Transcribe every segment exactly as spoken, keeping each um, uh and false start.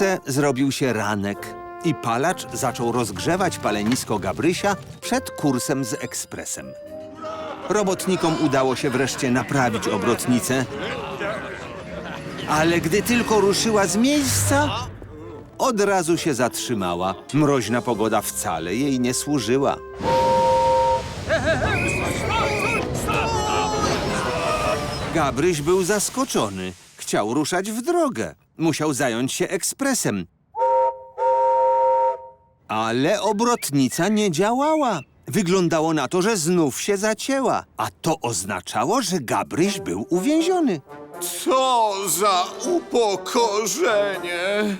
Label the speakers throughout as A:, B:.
A: Wkrótce zrobił się ranek i palacz zaczął rozgrzewać palenisko Gabrysia przed kursem z ekspresem. Robotnikom udało się wreszcie naprawić obrotnicę, ale gdy tylko ruszyła z miejsca, od razu się zatrzymała. Mroźna pogoda wcale jej nie służyła. Gabryś był zaskoczony. Chciał ruszać w drogę. Musiał zająć się ekspresem. Ale obrotnica nie działała. Wyglądało na to, że znów się zacięła. A to oznaczało, że Gabryś był uwięziony.
B: Co za upokorzenie!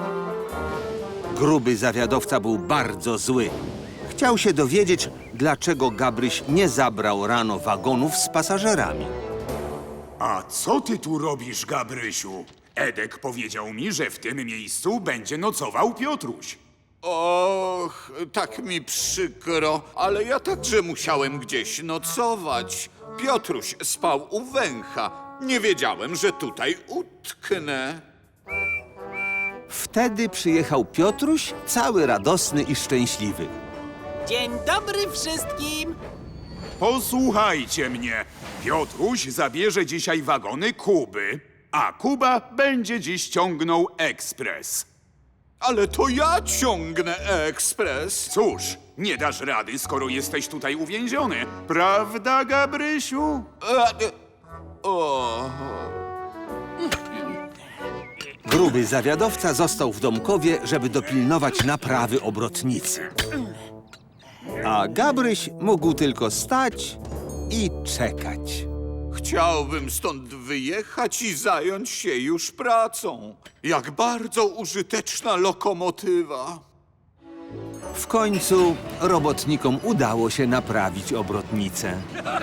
A: Gruby zawiadowca był bardzo zły. Chciał się dowiedzieć, dlaczego Gabryś nie zabrał rano wagonów z pasażerami.
C: A co ty tu robisz, Gabrysiu? Edek powiedział mi, że w tym miejscu będzie nocował Piotruś.
B: Och, tak mi przykro, ale ja także musiałem gdzieś nocować. Piotruś spał u węcha. Nie wiedziałem, że tutaj utknę.
A: Wtedy przyjechał Piotruś, cały radosny i szczęśliwy.
D: Dzień dobry wszystkim!
C: Posłuchajcie mnie. Piotruś zabierze dzisiaj wagony Kuby, a Kuba będzie dziś ciągnął ekspres.
B: Ale to ja ciągnę ekspres.
C: Cóż, nie dasz rady, skoro jesteś tutaj uwięziony. Prawda, Gabrysiu?
B: E, o...
A: Gruby zawiadowca został w Domkowie, żeby dopilnować naprawy obrotnicy. A Gabryś mógł tylko stać i czekać.
B: Chciałbym stąd wyjechać i zająć się już pracą. Jak bardzo użyteczna lokomotywa.
A: W końcu robotnikom udało się naprawić obrotnicę.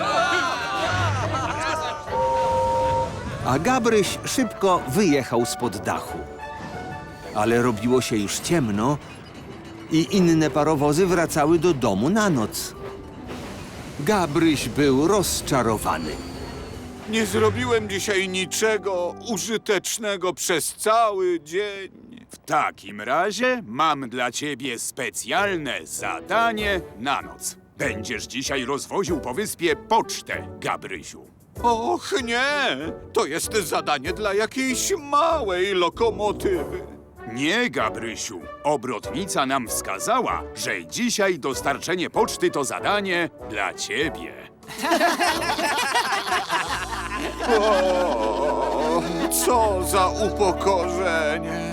A: A Gabryś szybko wyjechał spod dachu. Ale robiło się już ciemno i inne parowozy wracały do domu na noc. Gabryś był rozczarowany.
B: Nie zrobiłem dzisiaj niczego użytecznego przez cały dzień.
C: W takim razie mam dla ciebie specjalne zadanie na noc. Będziesz dzisiaj rozwoził po wyspie pocztę, Gabrysiu.
B: Och nie, to jest zadanie dla jakiejś małej lokomotywy.
C: Nie, Gabrysiu. Obrotnica nam wskazała, że dzisiaj dostarczenie poczty to zadanie dla ciebie.
B: O, co za upokorzenie.